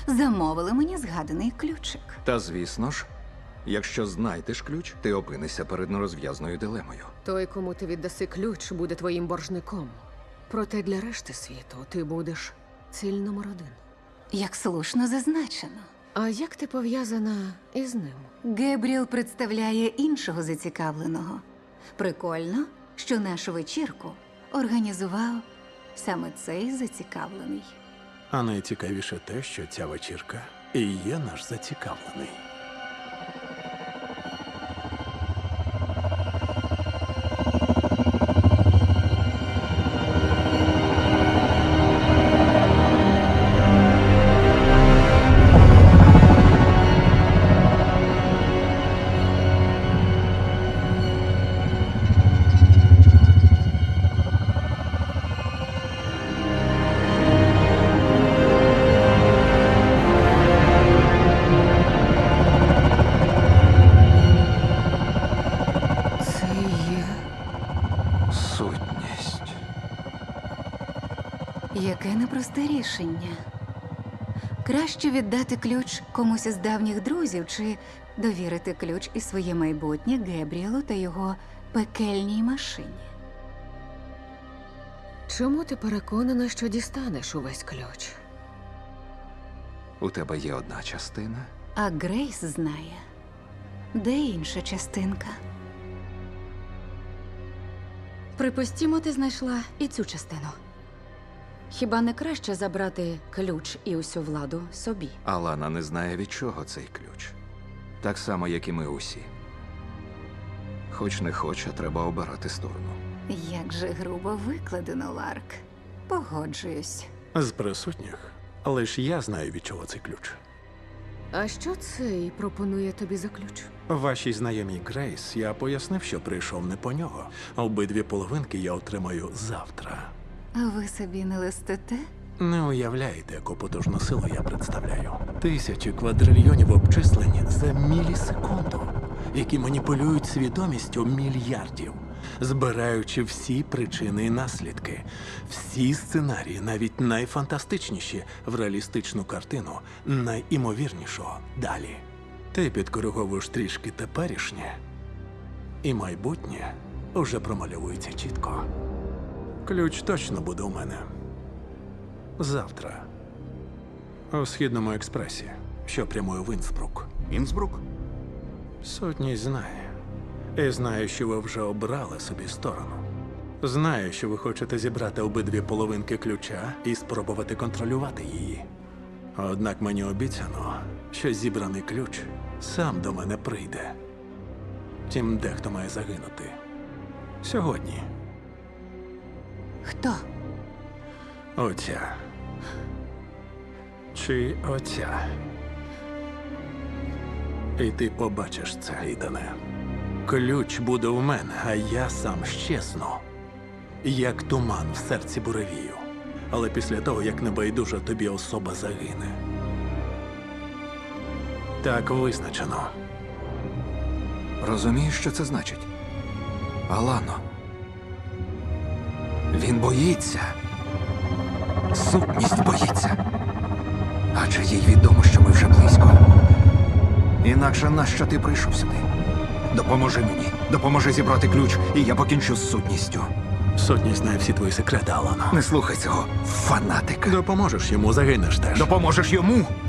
замовили мені згаданий ключик. Та звісно ж, якщо знайдеш ключ, ти опинишся перед нерозв'язною дилемою. Той, кому ти віддаси ключ, буде твоїм боржником. Проте для решти світу ти будеш ціль номер 1. Як слушно зазначено. А як ти пов'язана із ним? Гебріел представляє іншого зацікавленого. Прикольно, що нашу вечірку організував саме цей зацікавлений. А найцікавіше те, що ця вечірка і є наш зацікавлений. Це є. Сутність. Яке непросте рішення. Краще віддати ключ комусь із давніх друзів чи довірити ключ і своє майбутнє Гебріелу та його пекельній машині. Чому ти переконана, що дістанеш увесь ключ? У тебе є одна частина. А Грейс знає, де інша частинка. Припустімо, ти знайшла і цю частину. Хіба не краще забрати ключ і усю владу собі? Алана не знає, від чого цей ключ. Так само, як і ми усі. Хоч не хоч, а треба обирати сторону. Як же грубо викладено, Ларк. Погоджуюсь. З присутніх лише я знаю, від чого цей ключ. А що цей пропонує тобі за ключ? Вашій знайомій Грейс я пояснив, що прийшов не по нього. Обидві половинки я отримаю завтра. А ви собі не листите? Не уявляєте, яку потужну силу я представляю. Тисячі квадрильйонів обчислень за мілісекунду, які маніпулюють свідомістю мільярдів, збираючи всі причини і наслідки, всі сценарії, навіть найфантастичніші, в реалістичну картину найімовірнішого далі. Ти підкориговуєш трішки теперішнє, і майбутнє уже промальовується чітко. Ключ точно буде у мене. Завтра. У Східному експресі, що прямує в Інсбрук. Інсбрук? Сотність знає. І знає, що ви вже обрали собі сторону. Знає, що ви хочете зібрати обидві половинки ключа і спробувати контролювати її. Однак мені обіцяно, що зібраний ключ сам до мене прийде. Втім, дехто має загинути. Сьогодні. Хто? Оця. Чи оця. І ти побачиш це, Ідане. Ключ буде в мене, а я сам щезну. Як туман в серці буревію. Але після того, як небайдужа тобі особа загине. Так визначено. Розумієш, що це значить? Алано. Він боїться. Сутність боїться. Адже їй відомо, що ми вже близько. Інакше нащо ти прийшов сюди? Допоможи мені. Допоможи зібрати ключ, і я покінчу з сутністю. Сотність знає всі твої секрети, Алано. Не слухай цього, фанатика. Допоможеш йому, загинеш теж. Допоможеш йому?